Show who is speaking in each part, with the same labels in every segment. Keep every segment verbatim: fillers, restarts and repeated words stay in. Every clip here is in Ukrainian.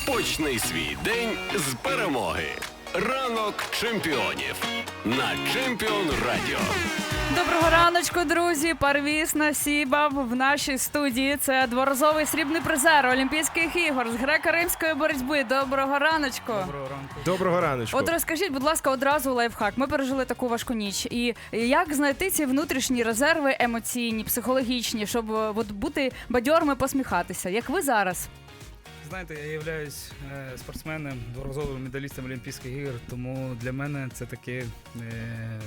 Speaker 1: Почни свій день з перемоги. Ранок чемпіонів на Чемпіон Радіо.
Speaker 2: Доброго раночку, друзі! Парвіз Насібов в нашій студії. Це дворазовий срібний призер Олімпійських ігор з греко-римської боротьби. Доброго раночку!
Speaker 3: Доброго ранку.
Speaker 4: Доброго раночку.
Speaker 2: От розкажіть, будь ласка, одразу лайфхак. Ми пережили таку важку ніч. І як знайти ці внутрішні резерви емоційні, психологічні, щоб от, бути бадьорими, посміхатися? Як ви зараз?
Speaker 3: Знаєте, я являюсь е, спортсменом, дворазовим медалістом Олімпійських ігор, тому для мене це таке е,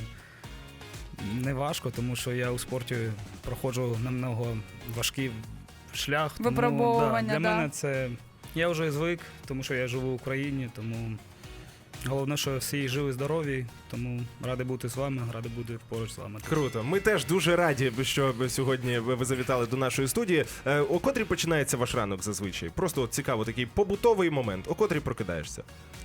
Speaker 3: не важко, тому що я у спорті проходжу намного важкий шлях. Тому,
Speaker 2: Випробовування,
Speaker 3: да, для
Speaker 2: да.
Speaker 3: мене це... Я вже звик, тому що я живу в Україні, тому головне, що всі живі, здорові, тому радий бути з вами, радий бути поруч з вами.
Speaker 4: Круто. Ми теж дуже раді, що сьогодні ви завітали до нашої студії. Е, О котрій починається ваш ранок зазвичай? Просто от цікаво, такий побутовий момент. О котрій прокидаєшся?
Speaker 3: Е,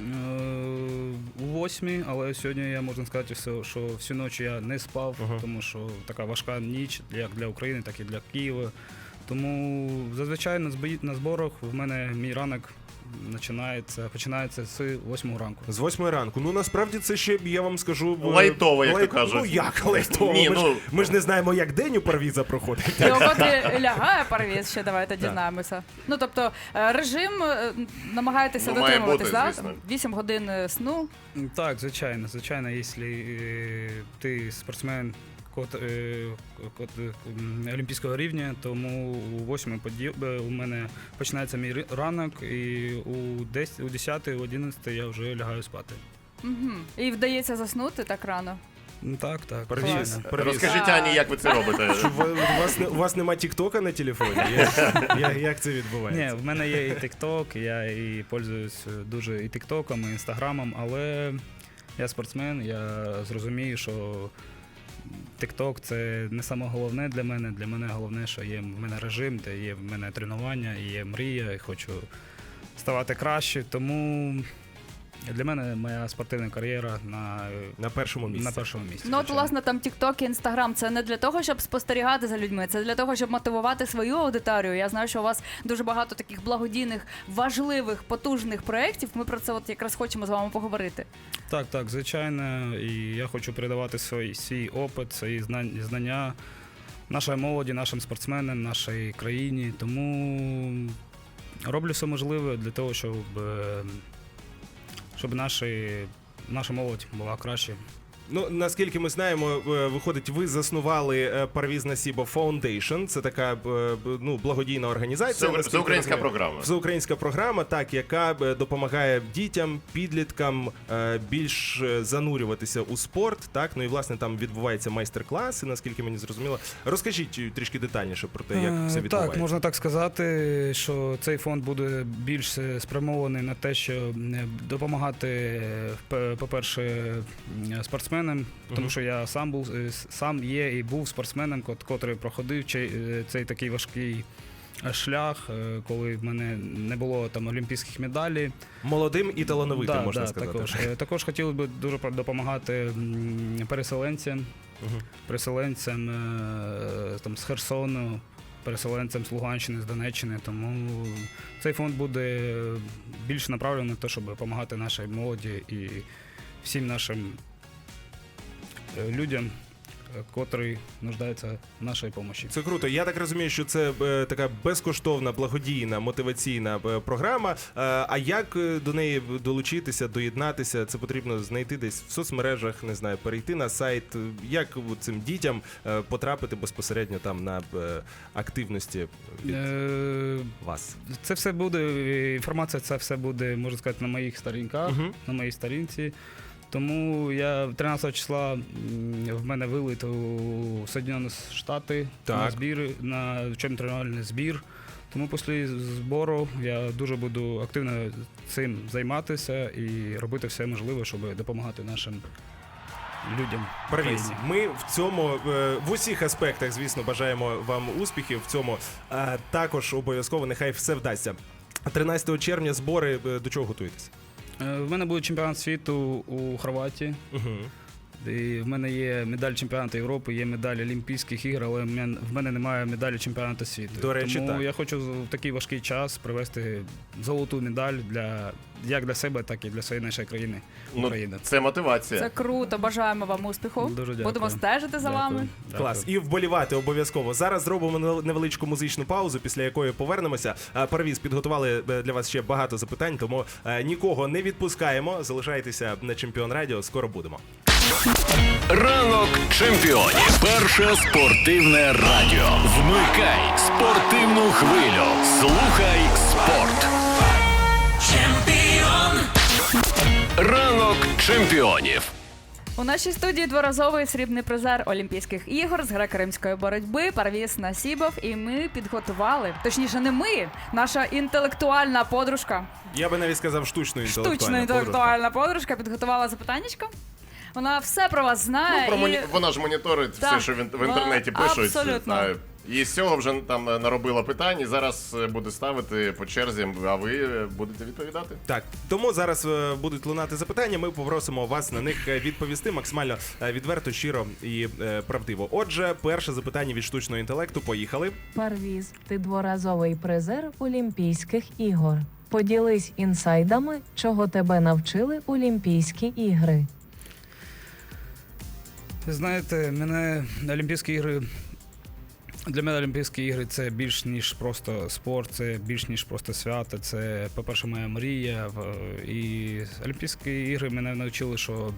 Speaker 3: У восьмій, але сьогодні я можна сказати, що що всю ніч я не спав,
Speaker 4: Ага.
Speaker 3: тому що така важка ніч як для України, так і для Києва. Тому зазвичай на збої- на зборах в мене мій ранок починається, починається з восьмої ранку.
Speaker 4: З восьмої ранку. Ну, насправді, це ще, я вам скажу... е,
Speaker 5: Лайтово, як
Speaker 4: лайт-
Speaker 5: то кажуть.
Speaker 4: Ну, як лайтово?
Speaker 5: Ні,
Speaker 4: ми,
Speaker 5: ну-
Speaker 4: ж, ми ж не знаємо, як день у Парвіза проходить.
Speaker 2: І о котрі лягає Парвіз, ще давайте дізнаємося. Ну, тобто, е, режим е, намагаєтеся
Speaker 5: Ну, має
Speaker 2: дотримуватись,
Speaker 5: бути,
Speaker 2: да?
Speaker 5: звісно.
Speaker 2: вісім годин е, сну.
Speaker 3: Так, звичайно, звичайно, якщо е, ти спортсмен кот, е, кот, е, м, олімпійського рівня, тому у восьмій у мене починається мій ри- ранок, і у десятій, у десятій, у одинадцятій я вже лягаю спати.
Speaker 2: Угу. І вдається заснути так рано.
Speaker 3: Ну, Так, так.
Speaker 4: Парвіз,
Speaker 3: звичайно.
Speaker 4: Парвіз.
Speaker 5: Розкажіть, Ані, як ви це робите?
Speaker 4: Що ви- у, вас, не- у вас нема тіктока на телефоні? Як, як, як це
Speaker 3: Ні,
Speaker 4: відбувається?
Speaker 3: в мене є і TikTok, я і пользуюсь дуже і TikTokом, і Інстаграмом, але я спортсмен, я зрозумію, що TikTok – це не саме головне для мене. Для мене головне, що є в мене режим, де є в мене тренування, і є мрія, і хочу ставати краще. Тому для мене моя спортивна кар'єра на,
Speaker 4: На першому місці.
Speaker 3: на першому місці.
Speaker 2: Ну, от,
Speaker 3: звичайно.
Speaker 2: власне, там TikTok і Instagram – це не для того, щоб спостерігати за людьми, це для того, щоб мотивувати свою аудиторію. Я знаю, що у вас дуже багато таких благодійних, важливих, потужних проєктів. Ми про це от якраз хочемо з вами поговорити.
Speaker 3: Так, так, звичайно. І я хочу передавати свій, свій опит, свої знань- знання нашій молоді, нашим спортсменам, нашій країні. Тому роблю все можливе для того, щоб, е, щоб наші, наша молодь була краще.
Speaker 4: Ну, наскільки ми знаємо, е, виходить, ви заснували е, Парвіз Насібов Foundation. Це така е, б- ну, благодійна організація.
Speaker 5: Це,
Speaker 4: наскільки
Speaker 5: це українська
Speaker 4: розумію.
Speaker 5: програма.
Speaker 4: Всеукраїнська програма, так, яка е, допомагає дітям, підліткам е, більш е, занурюватися у спорт. Так, ну і власне там відбуваються майстер-класи, наскільки мені зрозуміло. Розкажіть е, трішки детальніше про те, як
Speaker 3: Е,
Speaker 4: все відбувається.
Speaker 3: Так, можна так сказати, що цей фонд буде більш е, спрямований на те, що е, допомагати, е, п- по-перше, е, спортсменам, тому
Speaker 4: Мгм.
Speaker 3: що я сам був е, с- сам є і був спортсменом, кот- котрий проходив цей, е, цей такий важкий е, шлях, е, коли в мене не було там олімпійських медалей.
Speaker 4: Молодим і талановитим,
Speaker 3: Да,
Speaker 4: можна
Speaker 3: да,
Speaker 4: сказати.
Speaker 3: Також, Е, також хотів би дуже про- допомагати м, переселенцям,
Speaker 4: Мгм.
Speaker 3: переселенцям е, там, з Херсону, переселенцям з Луганщини, з Донеччини. Тому цей фонд буде більш направлений на те, щоб допомагати нашій молоді і всім нашим е, людям, е, котрі нуждаються в нашій допомогі.
Speaker 4: Це круто. Я так розумію, що це е, така безкоштовна, благодійна, мотиваційна е, програма. Е, а як е, до неї долучитися, доєднатися? Це потрібно знайти десь в соцмережах, не знаю, перейти на сайт. Як от цим дітям е, потрапити безпосередньо там на е, активності від
Speaker 3: Е,
Speaker 4: вас?
Speaker 3: Це все буде, е, інформація, це все буде, можна сказати, на моїх сторінках,
Speaker 4: Мгм.
Speaker 3: на моїй сторінці. Тому я тринадцятого числа м, в мене вилит у Соединені Штати на
Speaker 4: Так.
Speaker 3: збір, на вчебно-тренувальний збір. Тому після збору я дуже буду активно цим займатися і робити все можливе, щоб допомагати нашим людям. в
Speaker 4: Парвіз,
Speaker 3: країні.
Speaker 4: ми в цьому е, в усіх аспектах, звісно, бажаємо вам успіхів в цьому. Е, Також обов'язково нехай все вдасться. тринадцятого червня збори, е, до чого готуєтесь?
Speaker 3: Е, В мене буде чемпіонат світу у Хорватії.
Speaker 4: Угу.
Speaker 3: І в мене є медаль чемпіонату Європи, є медаль Олімпійських ігор, але в мене, в мене немає медалі чемпіонату світу.
Speaker 4: До речі,
Speaker 3: Тому
Speaker 4: так.
Speaker 3: я хочу в такий важкий час привезти золоту медаль для як для себе, так і для своєї нашої країни.
Speaker 5: Ну,
Speaker 3: України.
Speaker 5: це мотивація.
Speaker 2: Це круто, бажаємо вам успіху.
Speaker 3: Дуже дякую.
Speaker 2: Будемо стежити за
Speaker 3: Дякую.
Speaker 2: вами.
Speaker 3: Дякую.
Speaker 4: Клас. І вболівати обов'язково. Зараз зробимо нев- невеличку музичну паузу, після якої повернемося. Е, Парвіз, підготували е, для вас ще багато запитань, тому е, нікого не відпускаємо. Залишайтеся на Чемпіон Радіо, скоро будемо.
Speaker 1: Ранок чемпіонів. Перше спортивне радіо. Вмикай спортивну хвилю. Слухай спорт. Ранок чемпіонів.
Speaker 2: У нашій студії дворазовий срібний призер Олімпійських ігор з греко-римської боротьби Парвіз Насібов. І ми підготували, точніше не ми, наша інтелектуальна подружка,
Speaker 4: Я би навіть сказав штучно інтелектуальна
Speaker 2: штучно інтелектуальна подружка підготувала запитаннячко. Вона все про вас знає.
Speaker 5: Ну, про
Speaker 2: і...
Speaker 5: моні... Вона ж моніторить
Speaker 2: Так,
Speaker 5: все, що в, ін- в інтернеті
Speaker 2: вона
Speaker 5: пишуть.
Speaker 2: абсолютно.
Speaker 5: А, І з цього вже там наробила питань, і зараз е, буде ставити по черзі, а ви е, будете відповідати.
Speaker 4: Так, тому зараз е, будуть лунати запитання. Ми попросимо вас на них е, відповісти максимально е, відверто, щиро і е, правдиво. Отже, перше запитання від штучного інтелекту. Поїхали.
Speaker 6: Парвіз, ти дворазовий призер Олімпійських ігор. Поділись інсайдами, чого тебе навчили Олімпійські ігри.
Speaker 3: Ви знаєте, мене Олімпійські ігри. Для мене Олімпійські ігри це більш ніж просто спорт, це більш ніж просто свято. Це, по-перше, моя мрія. В- І Олімпійські ігри мене навчили, що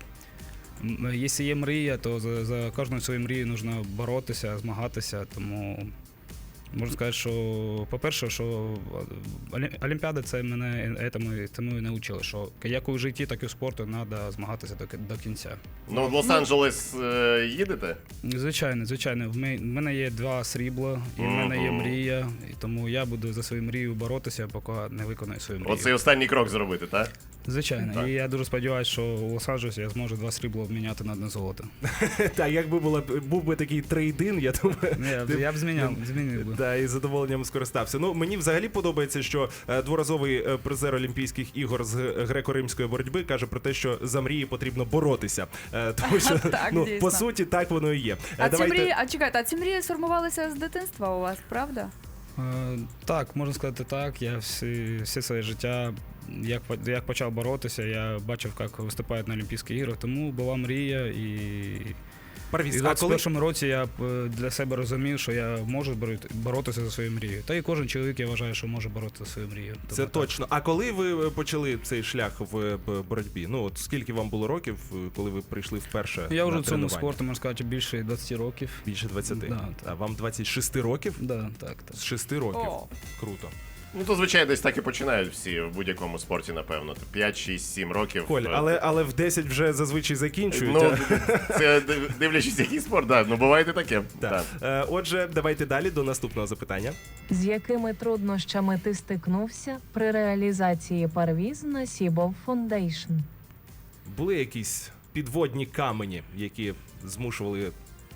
Speaker 3: м, якщо є мрія, то за, за кожною своєю мрією потрібно боротися, змагатися. Тому можна сказати, що, по-перше, що Олі- Олімпіада це мене этому, тому і навчили, що як у житті, так і в спорту треба змагатися до, ки- до кінця.
Speaker 5: Ну, в Лос-Анджелес е, їдете?
Speaker 3: Звичайно, звичайно. В ме- в мене є два срібла, і в мене є
Speaker 5: Мгм.
Speaker 3: мрія, і тому я буду за свою мрію боротися, поки не виконаю свою мрію.
Speaker 5: Оцей останній крок зробити, так?
Speaker 3: Звичайно.
Speaker 5: Так.
Speaker 3: І я дуже сподіваюся, що у Лос-Анджелесі я зможу два срібла обміняти на одне золото.
Speaker 4: Так, якби була був би такий трейдин, я думаю.
Speaker 3: Я,
Speaker 4: ти-
Speaker 3: я б зміняв, змінив би.
Speaker 4: Та, і з задоволенням скористався. Ну, мені взагалі подобається, що е, дворазовий е, призер Олімпійських ігор з греко-римської боротьби каже про те, що за мрії потрібно боротися. Е, тому що,
Speaker 2: Так,
Speaker 4: ну,
Speaker 2: дійсно.
Speaker 4: по суті, так воно і є. Е,
Speaker 2: А ці
Speaker 4: давайте-
Speaker 2: мрії, а чекайте, а ці мрії сформувалися з дитинства у вас, правда?
Speaker 3: Е, Так, можна сказати так. Я всі, всі своє життя, як, по- як почав боротися, я бачив, як виступають на Олімпійських іграх, тому була мрія і.
Speaker 4: Парвіз,
Speaker 3: І в
Speaker 4: а коли...
Speaker 3: двадцять першому році я б, е, для себе розумів, що я можу бороти- боротися за свою мрію. Та і кожен чоловік, я вважаю, що може боротися за свою мрію.
Speaker 4: Це
Speaker 3: Тому так.
Speaker 4: точно. А коли ви е, почали цей шлях в е, б- боротьбі? Ну, от скільки вам було років, е, коли ви прийшли вперше?
Speaker 3: Я вже
Speaker 4: на
Speaker 3: в цьому
Speaker 4: тренування?
Speaker 3: спорту, можна сказати, більше двадцять років.
Speaker 4: Більше двадцяти.
Speaker 3: Да,
Speaker 4: А вам двадцять шість років?
Speaker 3: Да, так, так.
Speaker 4: З шести років.
Speaker 2: О.
Speaker 4: Круто.
Speaker 5: Ну, то, звичайно, десь так і починають всі в будь-якому спорті, напевно. п'ять, шість, сім років.
Speaker 4: Коль,
Speaker 5: Е,
Speaker 4: але, але в десять вже зазвичай закінчують.
Speaker 5: Ну, це див- дивлячись, який спорт, так. Ну, буває і таке.
Speaker 4: Так.
Speaker 5: Так.
Speaker 4: Е, Отже, давайте далі до наступного запитання.
Speaker 6: З якими труднощами ти стикнувся при реалізації Парвіз Насібов Фондейшн?
Speaker 4: Були якісь підводні камені, які змушували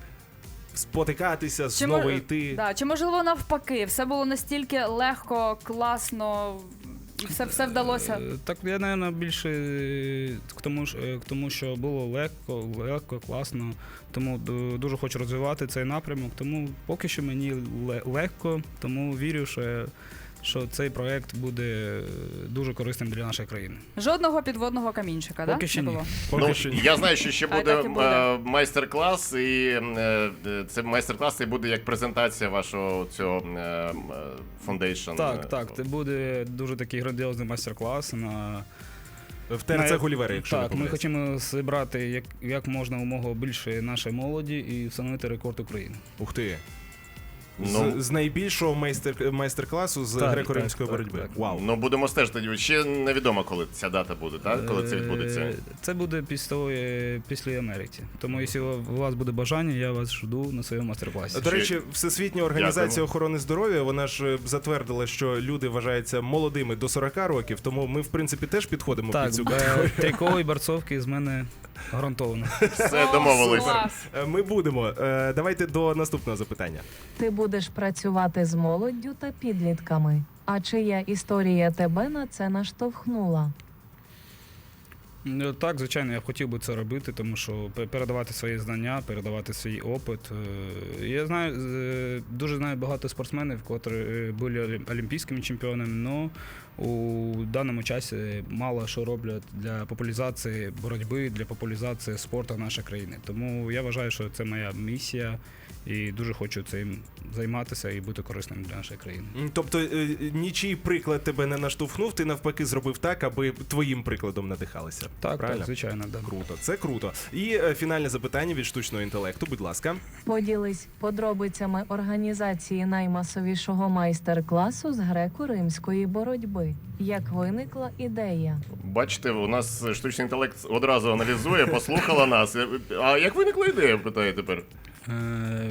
Speaker 4: спотикатися, знову
Speaker 2: мо-
Speaker 4: йти.
Speaker 2: Да, чи можливо навпаки, все було настільки легко, класно, і все, все вдалося.
Speaker 3: Е, Так, я, мабуть, більше е, к тому, ж- е, к тому, що було легко, легко, класно. Тому ду- дуже хочу розвивати цей напрямок. Тому поки що мені ле- легко, тому вірю, що, що цей проект буде е, дуже корисним для нашої країни.
Speaker 2: Жодного підводного камінчика,
Speaker 3: Поки
Speaker 2: да?
Speaker 3: що
Speaker 2: не
Speaker 3: ні.
Speaker 2: було?
Speaker 4: Поки
Speaker 5: Ну,
Speaker 4: що ні.
Speaker 5: я знаю, що ще
Speaker 2: Хай
Speaker 5: буде,
Speaker 2: так і буде.
Speaker 5: е, майстер-клас, і е, е, це майстер-клас і буде як презентація вашого цього фондейшн.
Speaker 3: Так, так, це буде дуже такий грандіозний майстер-клас на
Speaker 4: В ТРЦ
Speaker 3: на-
Speaker 4: Гулівери, якщо не
Speaker 3: так, ми
Speaker 4: помиляюсь.
Speaker 3: хочемо зібрати як, як можна умога більше нашої молоді і встановити рекорд України.
Speaker 4: Ух ти.
Speaker 5: Ну,
Speaker 4: З, з найбільшого майстер, майстер-класу з
Speaker 3: Так,
Speaker 4: греко-римської
Speaker 3: так,
Speaker 4: боротьби.
Speaker 3: так, так.
Speaker 4: Вау.
Speaker 5: ну, будемо стежити. Ще невідомо, коли ця дата буде, так? Коли це відбудеться.
Speaker 3: Е, Це буде після, е, після Америки. Тому, якщо у вас буде бажання, я вас жду на своєму майстер-класі.
Speaker 4: До речі, Всесвітня організація
Speaker 5: Дякуємо.
Speaker 4: охорони здоров'я, вона ж е, затвердила, що люди вважаються молодими до сорок років, тому ми, в принципі, теж підходимо
Speaker 3: Так,
Speaker 4: під цю
Speaker 3: е,
Speaker 4: категорію.
Speaker 3: трійкові борцовки з мене гарантовано.
Speaker 5: Все,
Speaker 2: О,
Speaker 5: домовились.
Speaker 2: клас.
Speaker 4: Е, Ми будемо. Е, Давайте до наступного запитання.
Speaker 6: Ти будеш працювати з молоддю та підлітками. А чия історія тебе на це наштовхнула?
Speaker 3: Ну, так, звичайно, я б хотів би це робити, тому що пе- передавати свої знання, передавати свій опит. Е, Я знаю, е, дуже знаю багато спортсменів, які е, були олі- олімпійськими чемпіонами, але у даному часі мало що роблять для популяризації боротьби, для популяризації спорту нашої країни. Тому я вважаю, що це моя місія і дуже хочу цим займатися і бути корисним для нашої країни.
Speaker 4: М, Тобто е, нічий приклад тебе не наштовхнув, ти навпаки зробив так, аби твоїм прикладом надихалися.
Speaker 3: Так,
Speaker 4: Правильно?
Speaker 3: так, звичайно, да.
Speaker 4: Круто, це круто. І е, фінальне запитання від штучного інтелекту, будь ласка.
Speaker 6: Поділись подробицями організації наймасовішого майстер-класу з греко-римської боротьби. Як виникла ідея?
Speaker 5: Бачите, у нас штучний інтелект одразу аналізує, послухала нас. А як виникла ідея, питає тепер?
Speaker 3: Е,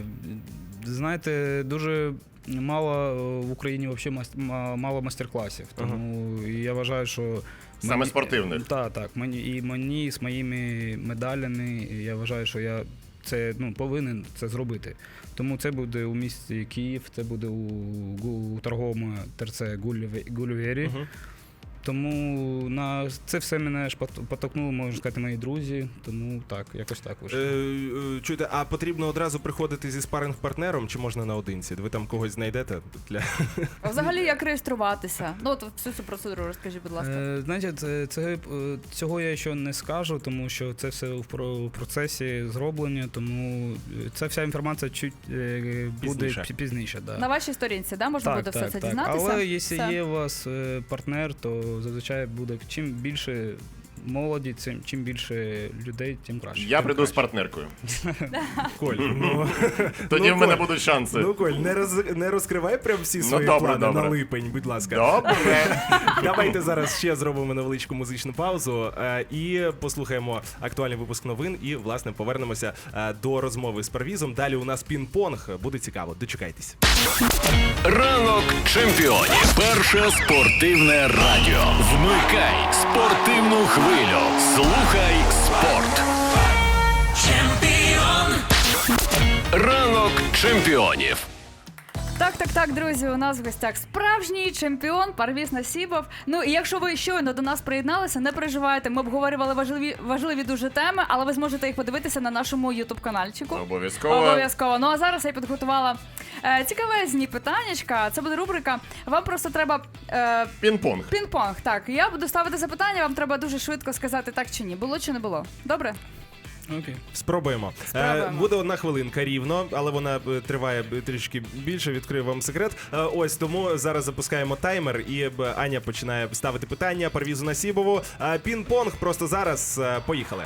Speaker 3: Знаєте, дуже мало е, в Україні взагалі мас- ма- мало майстер-класів. Тому я вважаю, що
Speaker 5: Саме спортивних.
Speaker 3: Так, так. Мені і мені з моїми медалями. і Я вважаю, що я це ну повинен це зробити. Тому це буде у місті Київ, це буде у, гу- у торговому ТРЦ Гуліве- Гулівері.
Speaker 4: Мгм.
Speaker 3: Тому на це все мене ж пот- потокнули, можна сказати, мої друзі. Тому так, якось так
Speaker 4: Е,
Speaker 3: вийшло.
Speaker 4: е, Чуєте, а потрібно одразу приходити зі спаринг-партнером, чи можна наодинці? Ви там когось знайдете для
Speaker 2: А взагалі, як реєструватися? Ну, от всю цю процедуру розкажіть, будь ласка.
Speaker 3: Е, Знаєте, це, це, е, цього я ще не скажу, тому що це все в про- в процесі зроблення, тому е, ця вся інформація чуть е, буде
Speaker 4: Пізніше.
Speaker 3: пізніше. пізніше да.
Speaker 2: На вашій сторінці, да, можна буде все це дізнатися?
Speaker 3: Але якщо
Speaker 2: Все.
Speaker 3: є у вас е, партнер, то зазвичай буде чим більше молоді, цим чим більше людей, тим краще.
Speaker 5: Я
Speaker 3: Тим
Speaker 5: прийду з
Speaker 3: краще.
Speaker 5: партнеркою.
Speaker 4: Коль. Ну,
Speaker 5: Тоді
Speaker 4: Ну,
Speaker 5: в мене
Speaker 4: Коль,
Speaker 5: будуть шанси.
Speaker 4: ну Коль, не роз не розкривай прям всі
Speaker 5: Ну,
Speaker 4: свої
Speaker 5: добре,
Speaker 4: плани
Speaker 5: добре.
Speaker 4: на липень, будь ласка.
Speaker 5: Добре.
Speaker 4: Давайте зараз ще зробимо невеличку музичну паузу е, і послухаємо актуальний випуск новин. І власне повернемося е, до розмови з Парвізом. Далі у нас пінг-понг. Буде цікаво. Дочекайтесь.
Speaker 1: Ранок чемпіонів. Перше спортивне радіо. Вмикай спортивну хвилю. Слухай спорт. Ранок чемпіонів.
Speaker 2: Так, так, так, друзі, у нас в гостях справжній чемпіон Парвіз Насібов. Ну і якщо ви щойно до нас приєдналися, не переживайте, ми обговорювали важливі, важливі дуже теми, але ви зможете їх подивитися на нашому ютуб-канальчику.
Speaker 5: Обов'язково.
Speaker 2: Обов'язково. Ну а зараз я підготувала е, цікавезні питаннячка. Це буде рубрика. Вам просто треба е,
Speaker 5: Пінг-понг.
Speaker 2: пінг-понг. Так, я буду ставити запитання, вам треба дуже швидко сказати так чи ні. Було чи не було? Добре?
Speaker 3: Окей.
Speaker 4: Спробуємо.
Speaker 2: Спробуємо.
Speaker 4: Е, буде одна хвилинка рівно, але вона е, триває е, трішки більше. Відкрию вам секрет. Е, ось тому зараз запускаємо таймер, і е, Аня починає ставити питання Парвізу Насібову. Е, Пінг-понг просто зараз. Е, поїхали.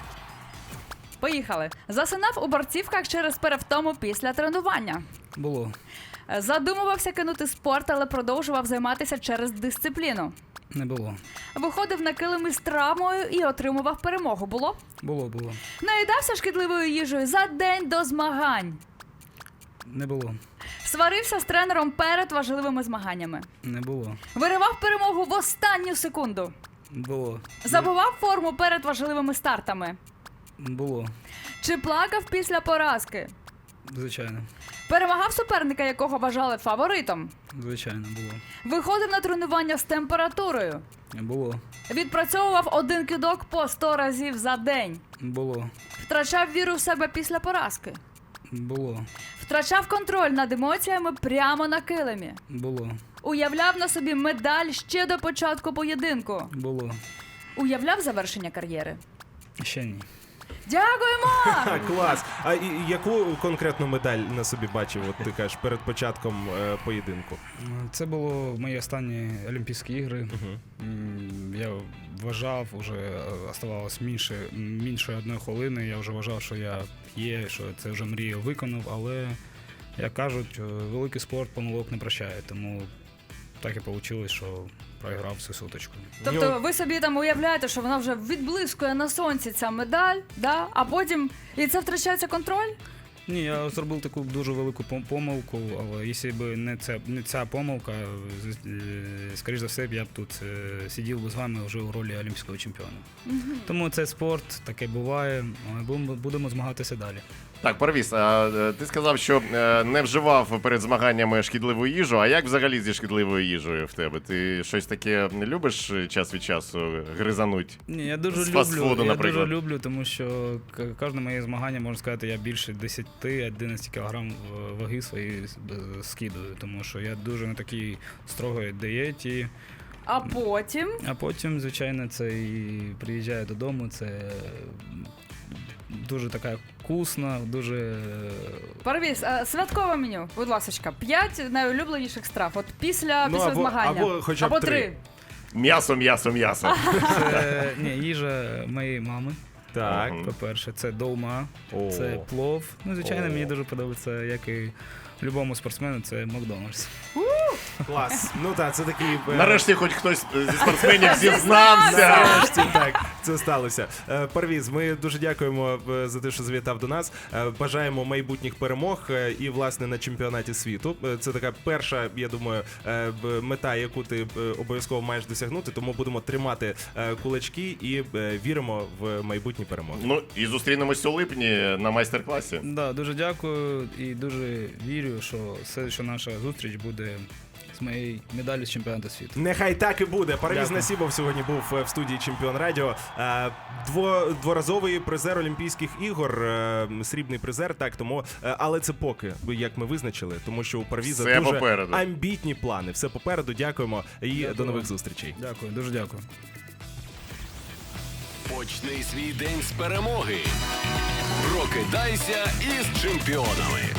Speaker 2: Поїхали. Засинав у борцівках через перевтому після тренування.
Speaker 3: Було.
Speaker 2: Е, Задумувався кинути спорт, але продовжував займатися через дисципліну.
Speaker 3: Не було.
Speaker 2: Виходив на килими з травмою і отримував перемогу. Було?
Speaker 3: Було, було.
Speaker 2: Наїдався шкідливою їжею за день до змагань.
Speaker 3: Не було.
Speaker 2: Сварився з тренером перед важливими змаганнями.
Speaker 3: Не було.
Speaker 2: Виривав перемогу в останню секунду.
Speaker 3: Було.
Speaker 2: Забував форму перед важливими стартами.
Speaker 3: Було.
Speaker 2: Чи плакав після поразки?
Speaker 3: Звичайно.
Speaker 2: Перемагав суперника, якого вважали фаворитом.
Speaker 3: Звичайно, було.
Speaker 2: Виходив на тренування з температурою.
Speaker 3: Було.
Speaker 2: Відпрацьовував один кидок по сто разів за день.
Speaker 3: Було.
Speaker 2: Втрачав віру в себе після поразки.
Speaker 3: Було.
Speaker 2: Втрачав контроль над емоціями прямо на килимі.
Speaker 3: Було.
Speaker 2: Уявляв на собі медаль ще до початку поєдинку.
Speaker 3: Було.
Speaker 2: Уявляв завершення кар'єри.
Speaker 3: Ще ні.
Speaker 2: Дякуємо!
Speaker 4: Ха, клас. А і, і яку конкретну медаль на собі бачив? От ти кажеш перед початком е, поєдинку?
Speaker 3: Це було мої останні Олімпійські ігри. М, Я вважав, вже оставалось менше, менше одної хвилини. Я вже вважав, що я є, що це вже мрію виконав, але, як кажуть, великий спорт помилок не прощає. Тому так і вийшло, що програв всю суточку.
Speaker 2: Тобто ви собі там уявляєте, що вона вже відблискує на сонці ця медаль, да? А потім і це втрачається контроль?
Speaker 3: Ні, я зробив таку дуже велику пом- помилку, але якщо б не ця, не ця помилка, з- е, скоріш за все, я б тут е, сидів би з вами вже у ролі олімпійського чемпіона. Тому це спорт, таке буває, але будемо, будемо змагатися далі.
Speaker 5: Так, Парвіз, а е, ти сказав, що е, не вживав перед змаганнями шкідливу їжу. А як взагалі зі шкідливою їжею в тебе? Ти щось таке не любиш час від часу гризануть?
Speaker 3: Ні, я дуже
Speaker 5: З
Speaker 3: люблю,
Speaker 5: фастфуду,
Speaker 3: я
Speaker 5: наприклад.
Speaker 3: дуже люблю, тому що к- кожне моє змагання, можна сказати, я більше десять-одинадцять кілограм в- ваги свої з- скидую, тому що я дуже на такій строгій дієті.
Speaker 2: А потім
Speaker 3: А потім, звичайно, це і приїжджаю додому, це дуже така вкусна, дуже.
Speaker 2: Парвіз, а, святкове меню, будь ласочка, п'ять найулюбленіших страв. От після,
Speaker 4: Ну,
Speaker 2: після
Speaker 4: або-
Speaker 2: змагання.
Speaker 4: або хоча б
Speaker 2: або
Speaker 4: три.
Speaker 2: три.
Speaker 5: М'ясо, м'ясо, м'ясо.
Speaker 3: Це ні, їжа моєї мами.
Speaker 4: Так.
Speaker 5: Мгм.
Speaker 3: По-перше, це долма,
Speaker 4: О.
Speaker 3: це плов. Ну, звичайно,
Speaker 4: О.
Speaker 3: мені дуже подобається, як і любому спортсмену, це Макдональдс.
Speaker 4: Клас. Ну так, це такий. е,
Speaker 5: Нарешті хоч хтось зі спортсменів зізнався.
Speaker 4: Нарешті так, це сталося. Е, Парвіз, ми дуже дякуємо е, за те, що завітав до нас. Е, Бажаємо майбутніх перемог е, і, власне, на чемпіонаті світу. Е, Це така перша, я думаю, е, б- мета, яку ти е, обов'язково маєш досягнути. Тому будемо тримати е, кулачки і е, віримо в майбутні перемоги.
Speaker 5: Ну і зустрінемось у липні на майстер-класі.
Speaker 3: Да, дуже дякую і дуже вірю, що все, що наша зустріч буде з моєю медаллю з чемпіонату світу.
Speaker 4: Нехай так і буде. Парвіз
Speaker 3: Дякую.
Speaker 4: Насібов сьогодні був е, в студії Чемпіон Радіо. Е, Дво, дворазовий призер Олімпійських ігор, е, срібний призер, так, тому, е, але це поки, як ми визначили, тому що у Парвіза
Speaker 5: Все
Speaker 4: дуже
Speaker 5: попереду.
Speaker 4: амбітні плани. Все попереду. Дякуємо і
Speaker 3: Дякую.
Speaker 4: до нових зустрічей.
Speaker 3: Дякую, дуже дякую.
Speaker 1: Почни свій день з перемоги. Прокидайся із чемпіонами.